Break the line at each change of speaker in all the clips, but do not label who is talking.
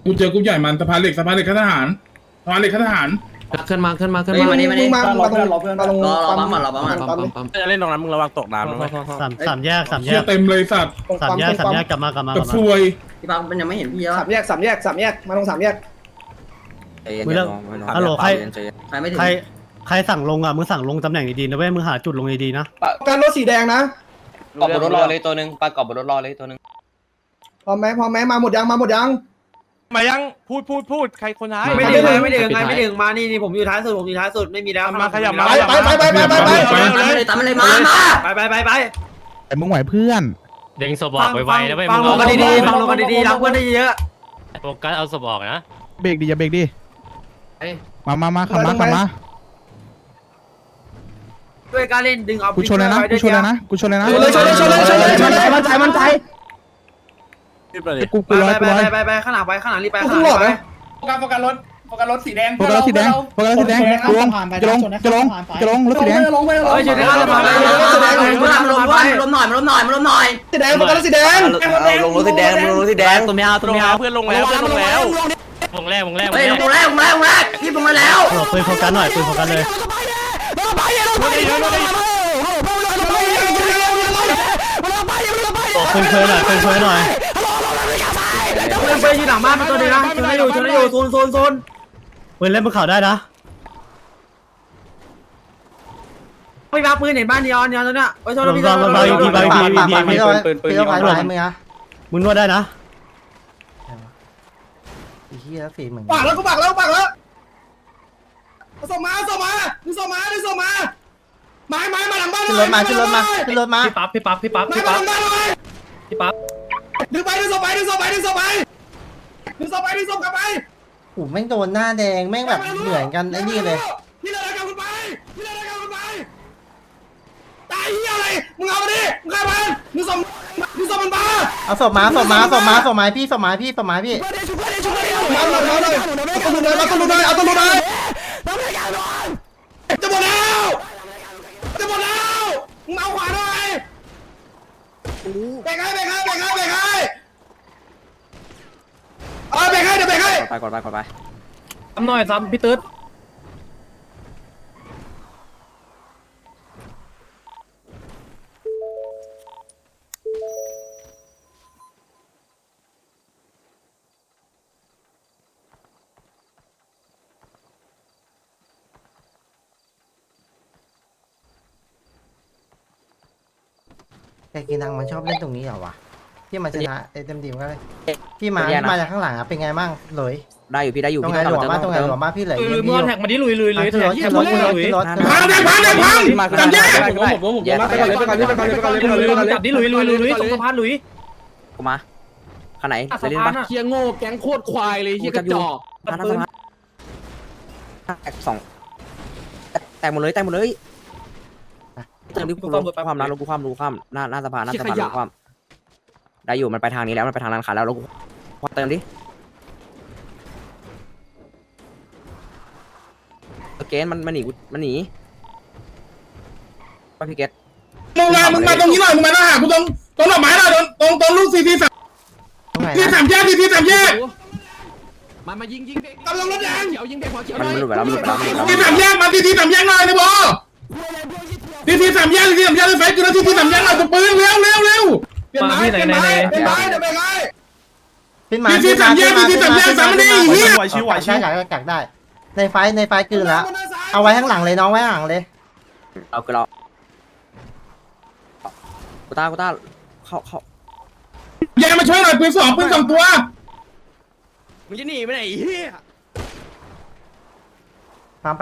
กูเจอกลุ่มใหญ่มันสะพานเหล็กข้าทหารสะพานเหล็กข้าทหาร
ขึ้นมา
มานี่มาตรงรอปั๊ม
ปั๊มจะเล่นตรงนั้นมึงระวังตกน้ำนะ
สามแยก
เต็มเลยสัตว์
สามแยกกลับมา
กับซวย
พี่ปั๊มมันยังไม่เห็นพี่แล้ว
สามแยกมาตรง3 แยก
มึงเลิกฮัลโหลใค
ร
สั่งลงอ่ะมึงสั่งลงตำแหน่งดีๆนะเว้ยมึงหาจุดลงดีๆนะ
การรถสีแดงนะ
กอบบนรถรอเลยตัวนึงปลากอบบนรถรอเลยตัวนึง
พร้อมไหมมาหมดยัง
มายังพูดใครคนท้าย
ไม่ดึงมานี่ผมอยู่ท้ายสุดไม่มีแล้ว
มาขยับมา
ไป
ตามเลยมาไป
แต่มึงไหวเพื่อน
เด้งศพออกไวๆนะเว้ย
ฟังลงกันดีๆรักเพื่อนได้เยอะ
โฟกัสเอาศพออกนะ
เบรกดิอย่าเบรกดิมาขับมา
ด้วยการเล่นดึงเอา
กูชนเลยนะ
ชนเลยมันใจ
กูร้อย
ไปข้างหลังรีบไป
โฟกัสรถสีแดง
โฟกัสรถสีแดงจะลงรถสีแดง
อยู่ในข้างหลังลมหน่อย
สีแดงโฟกัสสีแดง
ลงรถสีแดง
ตัวเมียเพื่อนลงแล้ว
วงแรก
พี่ผมมาแล้ว
ปืนโฟกัสหน่อยปืนโฟกัสเลยปืนเคยหน่อยปืนเคยหน่อย
ไปยืนหลังบ้านตัวนี้นะชนให้อยู่โซน
ปืนเล่นบนเขาได้นะ
ไม่มาปืนเห็นบ้านนีออนตัวเนี้ยไปชนพี่
บาง
ปืน
มึงนวดได้นะ
ไอ้เหี้ยฝีมึงปักแล้วส่งมาไม้มาหลังบ้านขึ้นรถมา
พี่ปั๊บ
ดึงศพกลับไป
โอ้แม่งโดนหน้าแดงแม่งแบบเหมือนกันไอ้นี่เลย
พี่เลยกันคุณไปตายเหี้ยอะไรมึงเอามาดิมึงฆ่ามันมึงส่งมันมา
เอาศพมาพี่ศพมาพี่
เอาตัวลุนเลยจะหมดแล้วมึงเอาขวาหน่อยเบรกให้เดี๋ยวเบรกให้
ไปซ้ำหน่อยซ้ำพี่ตื๊ด
แต่กินังมันชอบเล่นตรงนี้เหรอวะที่มันชนะเต็มทีมก็เลยพี่มาจากข้างหลังอะเป็นไงมั่งเลย
ได้อยู่พี่ได้อยู่
ตรงไหนหลวมมากพี่เลย
มือแท็กมาดิลุย
แท็กที่รถ
พังจับแยก
ผมจับดิลุยตรงสะพานลุย
กูมาขนาดไหน
สะพานเคียงโง่แก๊งโคตรควายเลยเคียกระจอก
แตกสองแตกหมดเลยเติมดิกูความนะลงกูความหน้าสะพานลงความได้อยู่มันไปทางนี้แล้วมันไปทางร้านค้าแล้วลงกูเติมดิเกนมันหนีไปพี่เกต
มึงมาตรงนี้หน่อยมึงมาหน้าหากูตรงดอกไม้หน่อยตรงลูกCT3มายิงกำลังรถแดงยิงเด็กหัวเขียวหน่อย
มันหลุดไปแล้ว
CT3แยกมาCT3แยกหน่อยนะบอCT3แยกไฟกูนะCT3แยกหน่อยตัวปืนเร็วเปลี่ยนไม้CT3แยกสามนี่เฮีย
ไหวกักได้ในไฟคืนแล้วเอาไว้ข้างหลังเลยน้องไว้ข้างหลังเลย
เอาคือเรากูต้าเขา
แยกมาช่วยหน่อยปืนสองตัว
มึงจะหนีไปไหนเฮีย
ฟาร์ม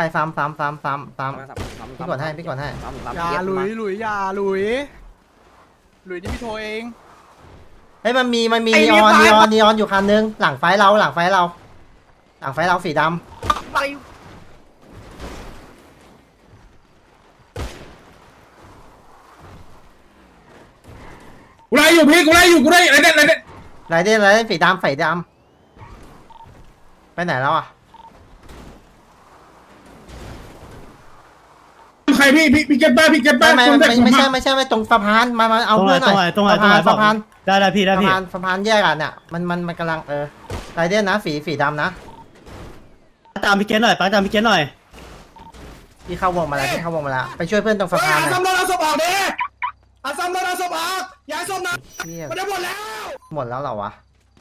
พี่ก่อนให้
อย่าลุยนี่พี่โทเอง
เฮ้ยมันมีนีออนอยู่คันนึงหลังไฟเราสีดำ
กูไล่อยู่พี่อะไรเด็ด
สีดำไปไหนแล้วอ่ะ
ใครพี่เก็บบ้า
ไม่ใช่ตรงสะพานมาเอาเพื่อนหน่อย
ตรงไหน
สะพาน
ได้พี่
สะพานแยกกันเนี่ยมันกำลังไรเดนนะฝีดำนะ
ตามพี่เกณฑ์หน่อยป้าตามพี่เกณฑ์หน่อย
พี่เข้าวงมาแล้วไปช่วยเพื่อนตรงสะพานหน่อย
ซ้ำรถเอาศพออกดิซ้ำรถเอาศพออกย้ายศพนะ
เหี้ย
มันได้หมดแล้ว
หมดแล้วเหรอวะ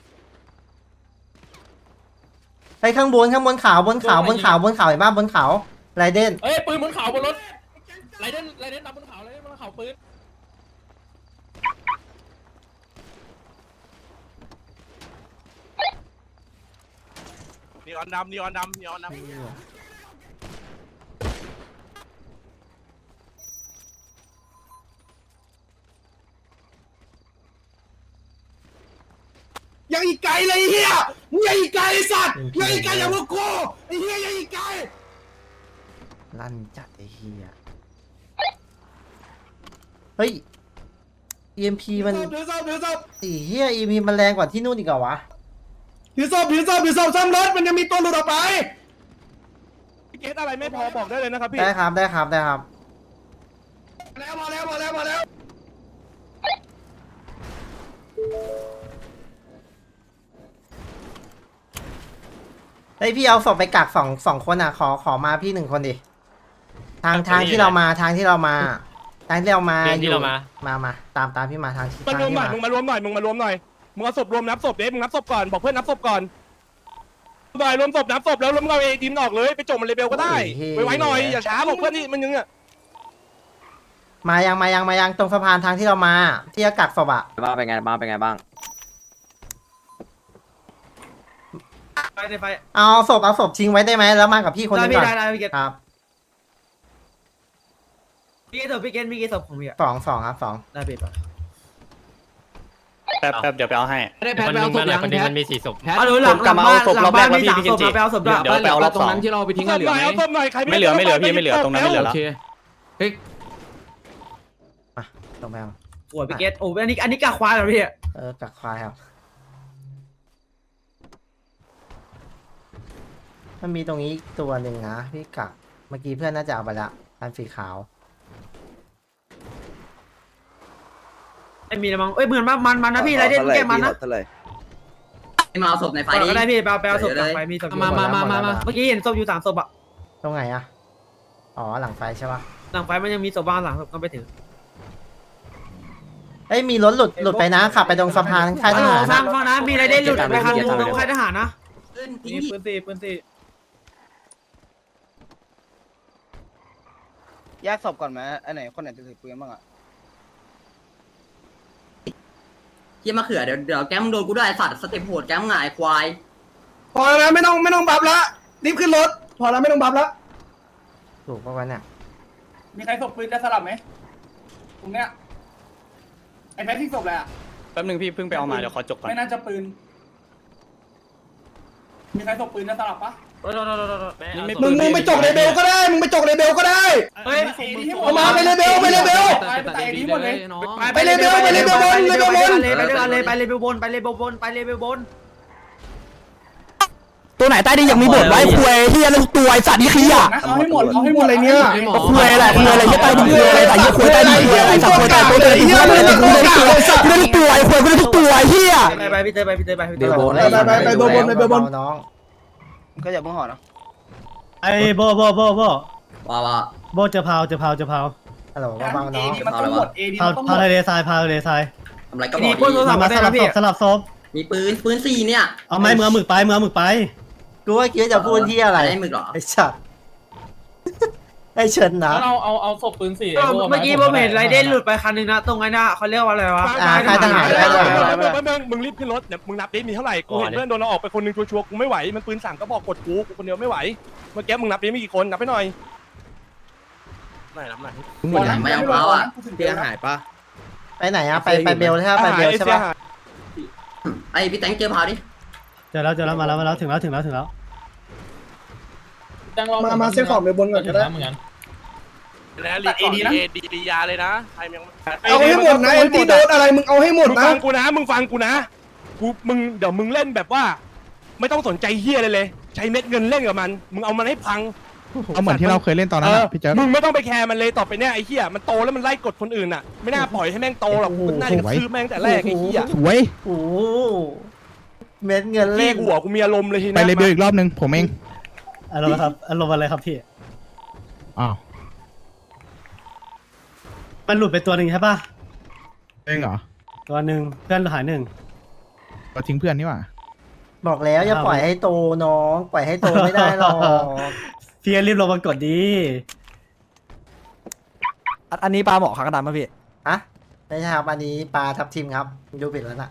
ไอ้ข้างบนขาวบนเขาเห็นป่ะบนเขาไรเดน
เอ้ยปืนบนเขาบนรถไรเดนดับบนเขาไรเดนบนเขาปืน
นีออนดำยังอีกไกลเลยเฮียมึงยังอีกไกลไอ้สัตว์ยังอีกไกลอย่างพวกกูไอ้เฮียยังอีกไกล
ลั่นจัดไอ้เฮียเฮ้ย EMP มัน
ถือศพ
ไอ้เฮีย EMP มันแรงกว่าที่นู่นอีกเหรอวะ
ถือศพซ้ำรถมันยังมีตัวหลุดออกไปพี่เกตอะไรไม่พอบอกได้เลยนะครับพี่
ได้ครับ
แล้วมาแล้ว
เฮ้ยพี่เอาศพไปกักสองคนอ่ะขอมาพี่1คนดิทางที่เรามาที่เรามาตามพี่มาทางที่
มารวมหน่อยมึงมารวมหน่อยมึงเอาศพรวมนับศพเด้มึงนับศพก่อนบอกเพื่อนนับศพก่อนหน่อยรวมศพนับศพแล้วรวมเราเอทีมออกเลยไปจบมันเลเบลก็ได้ไว้หน่อยอย่าช้าบอกเพื่อนนี่มันยังอ่ะ
มายังตรงสะพานทางที่เรามาที่จะกักศพอ่ะ
บ้างเป็นไงบ้าง
ไฟ
เอาศพทิ้งไว้ได้ไหมแล้วมากับพี่คนนึงก่อน
ได้พี่เกต
ครับ
พี่เกตมีกี่ศพของพี่อ่ะ
สองครับ
ได้พี่ป่ะ
แป๊บเดี๋ยวไปเอาให้
ได้แพ
คน
ท
นึ
ไป
ง
เอาศพยัง
มาหน่อยคนนึงมันมี4 ศพ
เอาดูหลังบ้านมี3 ศพไปเอาศพด้วย
เดี๋ยวไปเอารอบ
ตรงนั้นที่เราไปทิ้งกันเหลือไหม
เอาศพหน่อยใคร
ไม่เหลือพี่ไม่เหลือตรงนั้นไม่เหลือ
โอ
แล้ว
เคเฮ้ย
ตรงไปเอา
ปวดพี่เกตโอ้อันนี้กะควายเหรอพี่
กักควายครับมันมีตรงนี้อีกตัวหนึ่งนะพี่กักเมื่อกี้เพื่อนน่าจะเอาไปละอันสีขาว
ไม่มีแล้วมั้งเอ้ยเหมือนมันนะพี่ไรเดนแกมันนะ
มาเอาศพในไฟ
ก็ได้พี่ไปเอาศพหลังไฟมีศพมาเมื่อกี้เห็นศพอยู่3 ศพอ่ะ
ตรงไหนอะอ๋อหลังไฟใช่ปะ
หลังไฟมันยังมีศพบ้างหลังศพก็ไปถึง
เอ้ยมีรถหลุดไปนะขับไปตรงสะพานค่ายทหาร
ฟังนะมีไรเดนหลุดไปทางตรงค่ายทหารนะ
มีปืนสี่
แยกศพก่อนไหมอันไหนคนไหนจะถือปืนบ้างอ่ะ
เยี่ยมะเขือเดี๋ยวแก้มโดนกูด้วยสัตว์สเต็ปโหดแก้มหงายควาย
พอแล้วไม่ต้องบัฟละรีบขึ้นรถพอแล้วไม่ต้องบัฟละ
ถูกปะวะเนี่ย
มีใครศพปืนจะสลับไหมตรงเนี้ยไอ้แพทที่ศพเลยอ่ะ
แป๊บนึงพี่เพิ่งไปเอามาเดี๋ยวขอจบก่อน
ไม่น่าจะปืนมีใครศพปืนจะสลับปะ
มึงไปจกเลเบลก็ได้มึงไปจกเลเบลก็ได้
เฮ้ย
เอามาไปเลเบล
ไปไอ้นี้หมดเลย
ไปเลเบลบน
ไปเลเบลบน
ตัวไหนใต้ดินยังมีบทไว้คุยที่ลูกตัวไอสัตว์นี่ขี้อ่ะ
เอาให้หมด
อะไรเนี่ย
คุยอะไรที่ใต้ดินคุยอะไรแต่ยี่คุยใต้ดินคุยอะไรสัตว์คุยใต้ตัวเตยที่ไม่ได้ตัวไม่ได้ตัวไอ้คุยไม่ได้ตัวไอ้เหี้ย
ไปพี่เตยไป
ไปเบลบน
น้อง
ก็อย่าเพิ่งห่อนะ
ไอ้โบ
ว้าว
โบเจอพาว
ฮัลโหลเบาๆน้อง
มันต้องหมดเอดี
พาว
มันต้องหม
พาว
ด
ทะเลทรายพาวทะเลทราย
ทำไรก็บ
มี
อก
คนโทรศัพท์
มา
มาได้
สลั
นะ
บศ
พี่
พสลับศพ
มีปืน4เนี่ย
เอาไม้มือหมึกไป
กูว่าคิดจะพูดที่อะไร
ได้มึกหรอ
ไอ้ชัดไอ้เฉินนะ
เอาศพปืนสี่
เมื่อกี้ผมเห็นไรเดนหลุดไปคันนึงนะตรงไอ้น่ะเขาเรียกว่าอะไรวะ
มึงรีบขึ้นรถเดี๋ยวมึงนับดิมีเท่าไหร่กูเห็นเพื่อนโดนเราออกไปคนนึงชัวร์กูไม่ไหวมันปืน3ก็บอกกดกูคนเดียวไม่ไหวเมื่อกี้มึงนับดิมีกี่คนนับไปหน่อยนับหน่อย
ไม่เอาเปล่าอ่ะ
เสียหายปะ
ไปไหนอะไปเบลใช่ปะไปเบลใช่ปะ
ไอพี่แตงเจอพาวดิ
เจอแล้วมาแล้วถึงแล้ว
มาเซ็ตของไปบนก่อนก็ได้
แล้วรีเอดีนะดียาเลยนะใครยัง
เอาให้หมดนะเอ็นตีโดนอะไรมึงเอาให้หมดนะมึงฟังกูนะมึงเดี๋ยวมึงเล่นแบบว่า ไม่ต้องสนใจเฮียเลยใช้เม็ดเงินเล่นกับมันมึงเอามันให้พัง
เอาเหมือนที่เราเคยเล่นตอนนั้นพี่เจ๊
มึงไม่ต้องไปแคร์มันเลยต่อไปเนี่ยไอ้เหี้ยมันโตแล้วมันไล่กดคนอื่นอ่ะไม่น่าปล่อยให้แม่งโตหรอกมันน่าจะซื้อแม่งแต่แรกไอ้เหี้ย
สวย
โอ้เม็ดเงิน
เล่
เล่น
หัวกูมีอารมณ์เลยที
ไป
นี้
เลเบลอีกรอบนึงผมเอง
อารมณ์ครับอารมณ์อะไรครับพี่
อ้าว
มันหลุดไปตัวหนึ่งใช่ปะ
เองเหรอ
ตัวหนึ่งเพื่อนหายหนึ่ง
เราทิ้งเพื่อนนี่หว่า
บอกแล้วอย่าปล่อยให้โตน้องปล่อยให้โตไม่ได้หรอก
พี่รีบลงมากดดี
อันนี้ปลาหมอขากระดานป่ะพี่
อะไม่ใช่ครับอันนี้ปลาทับทิมครับดูปิดแล้วน่ะ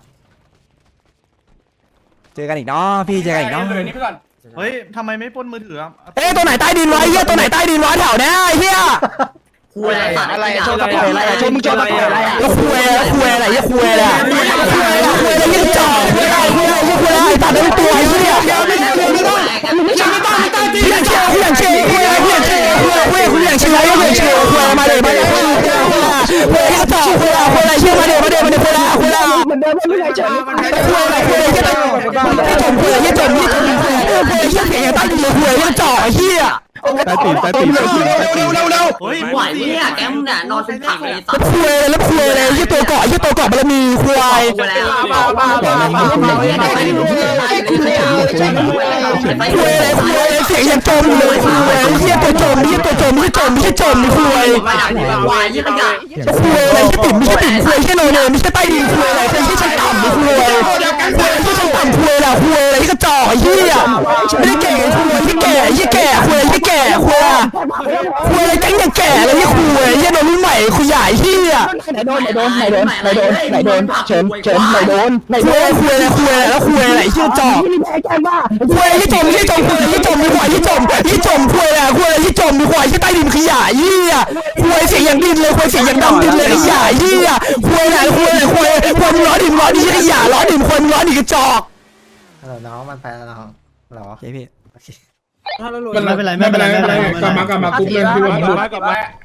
เจอกันอีกเนาะพี่เจอกันอีกเนาะ
เลยนี่ไปก่อน
เฮ้ยทำไมไม่ปล้นมือถือครับ
เอ้ยตัวไหนใต้ดินวะเฮียตัวไหนใต้ดินวะแถวเนี้ยไอ้เฮีย
คุยอะไร
ชนตะเกียอะไรชนมึงชนตะเกียอะไรแล้วคุยอะไรเฮียคุยอะไรคุยอะไรเฮียจ่อคุยอะไรตัดเป็นตัวไอ้เฮียอย่างเชี่ยคุยอะไรคุยอย่างเชี่ยคุยมาเลยคุยจ่อคุยอะไรเชี่ยมาเลยคุยอะไรเหมือนเดิมไม่ได้เฉยคุยอะไรเฮียจมเฮียเสียงใต้ดินเลยคุยเฮียจ่อเฮีย
ตายตีเร็ว
เฮ้ยไหวเนี่ยแกมึงเนี่ยนอนเป็นผักเลยสัตว์
คุยเลยยี่ตัวเกาะบารมีควายคุยเลยเสียงยังจมเลยคุยยี่ตัวจมไม่ใช่จมคุยคุยอะไรที่ติ่มคุยแค่โนเนไม่ใช่ใต้ดินคุยอะไรเป็นที่ชั้นต่ำคุยที่ชั้นต่ำคุยอะไรที่กระจอกเหี้ยไม่ได้แก่คุยที่แก่ยี่แก่คุยที่แก่คุยอะไรแก๊งยังแก่เลยยี่คุยยี่โดนรุ่นใหม่คุยใหญ่เหี้ยไหนโดนเฉินไหนโดนคุยอะไรแล้วคุยอะไรเหี้ยจอกคุยยี่จมมีหัวยี่จมคุยอะไรยี่จมมีหัวยี่ใต้ดินขยะยี่คุยเสียงอย่างดินเลยคุยเสียงอย่างดำดินเลยขยะยี่คุยมึงร้อนดิขยะร้อนดิคนร้อนดิกระจอก
ฮัลโหลน้องมันไปแล้วน้องหรอ
โอเคพี่
ไม่เป็นไรกลับมากรุ๊ปเลยพี่ว่า
กลับมา